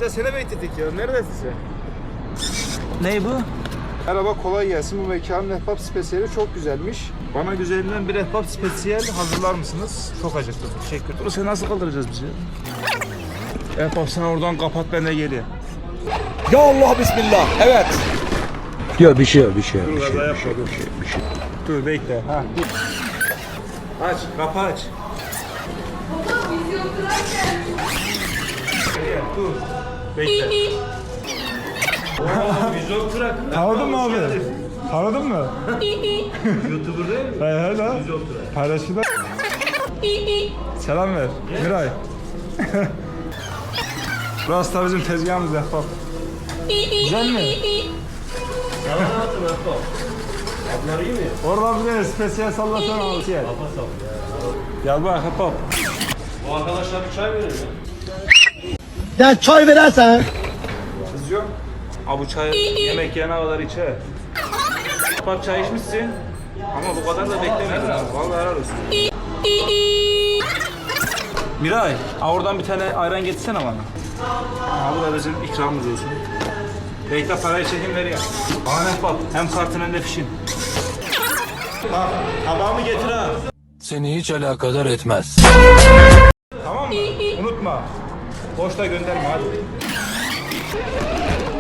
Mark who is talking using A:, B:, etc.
A: Ya seni bekledik ya. Neredesin sen?
B: Ney bu?
A: Merhaba, kolay gelsin. Bu mekanın ehbap spesiyeli çok güzelmiş. Bana güzelinden bir ehbap spesiyel hazırlar mısınız? Çok acıktım. Teşekkür ederim. Sen nasıl kaldıracağız bizi? Ehbap sen oradan kapat, ben de geleyim.
B: Ya Allah bismillah. Evet.
C: Yok bir şey yok.
A: Dur kaza yapma. Dur bekle. Ha. Aç, kapı aç. Dur. Bekle. Vizyon Trak.
D: Tanıdın mı abi? Tanıdın mı?
A: YouTuber değil mi?
D: He he la.
A: Vizyon Trak.
D: Paylaşıda. Selam ver. Miray. Burası da bizim tezgahımız Ehbap. Güzel mi?
A: Yalan atın Ehbap. Bunlar iyi mi?
D: Oradan bir de spesiyel sallasana abi. Gel. Gel bak Ehbap.
A: Bu arkadaşlar bir çay verir mi?
C: Ya çay verersen.
A: Vizyon. Abi çay yemek yene kadar içer. Bak çay içmişsin. Ama bu kadar da beklemedim. Vallahi helal olsun. Miray, oradan bir tane ayran getirsene bana. Bu da bizim ikramımız olsun. Bekle, parayı çekin ver ya. Ahmet bak, hem kartın hem de fişin. Bak, tabağımı getir ha.
C: Seni hiç alakadar etmez.
A: Tamam mı? Unutma. Boşta gönderme hadi.